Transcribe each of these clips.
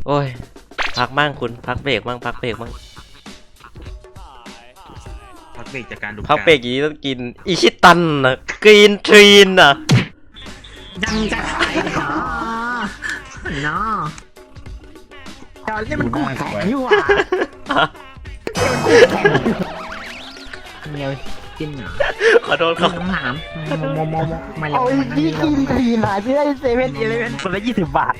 โอ้ยพักมั่งคุณพักเบรกมั่งพักเบรกมั่งพักเบรกจากการดูพักเบรกอย่างนี้ต้องกินอิชิตันนะกรีนทรีนนะยังจะขายเหรอเนาะตอนนี้มันกูแข็งอยู่อ่ะเนียวกินเหรอขอโทษครับน้ำหามมมาเลยเอายี่กินทีหายไปได้เซเว่นอีเลฟเว่นคนละ20 บาท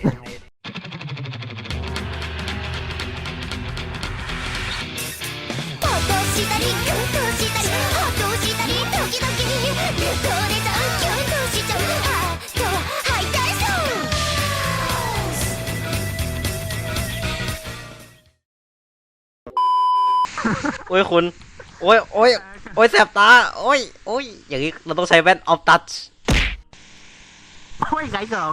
したりキュンとしたりハッとしたりドキドキに流行でさキュンとしちゃうハートハイテンションโอ้ยคุณโอ้ยโอ้ยโอ้ยแสบตาโอ้ยโอ้ยอย่างนี้เราต้องใช้แว่นออฟตัชโอ้ยไก่สอง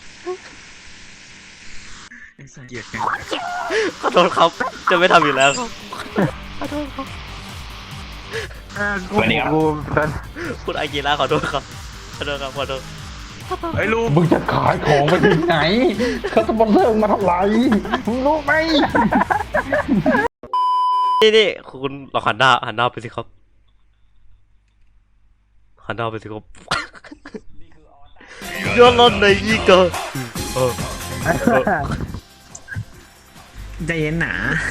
เกลียดกันขอโทษครับจะไม่ทำอีกแล้วครับขอโทษครับกูคุณอากิระขอโทษครับขอโทษครับขอโทษไอ้ลูกมึงจะขายของไปถึงไหนเขาสปอนเซอร์มาเท่าไหร่มึงรู้ไหมนี่คุณลองหันหน้าไปสิครับหันหน้าไปสิครับย้อนรอนในอีกอ่ะใจเย็นหนา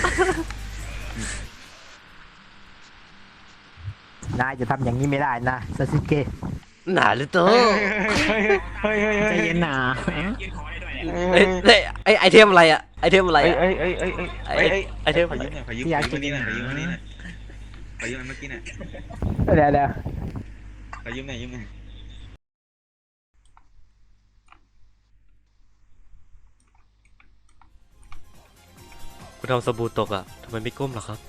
นายจะทำอย่างนี้ไม่ได้นะซาสึเกะหนาเลยเต้อใจเย็นหนาไอเทมอะไรอะไอเทมอะไรอะ ไอเทมขออะไรยืมหน่อยขอยืมวันนี้หน่อยขอยืมวันนี้หน่อยขอยืมเมื่อกี้หน่อยเดี๋ยวขอยืมหน่อยยืมหน่อยคุณทำสบู่ตกอะทำไมไม่ก้มล่ะครับ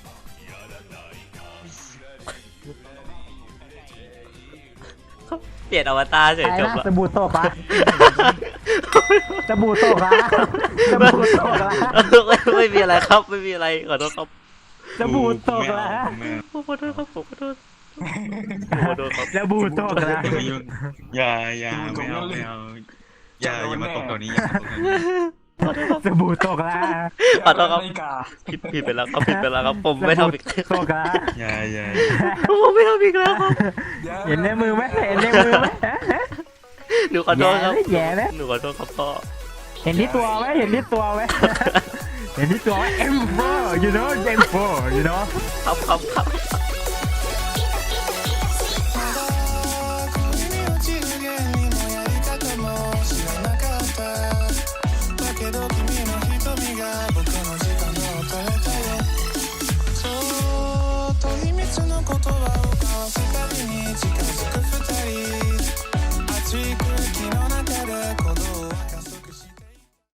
เปลี่ยนอวตารเฉยไอ้จบนะละสบู่โตกละสบู่โตกละสบู่โตกละไม่มีอะไรครับไม่มีอะไรขอโทษครับสบู่โตกละผมขอโทษครับผมขอโทษผมขอโทษครับสบู่โตกละอย่าไม่เอาอย่ามาตกตัวนี้อย่ามาตกตัวนี้สบู่โตกละขอโทษครับผิดไปแล้วครับผิดไปแล้วครับผมไม่ทำอีกโตกละอย่าผมไม่ทำอีกแล้วครับเห็นในมือไหมเห็นในมือไหมหนูขอโทษครับแย่ไหมหนูขอโทษครับพ่อเห็นที่ตัวไหมเห็นที่ตัวไหมเห็นที่ตัวไหม M4 you know M4 you know ครับ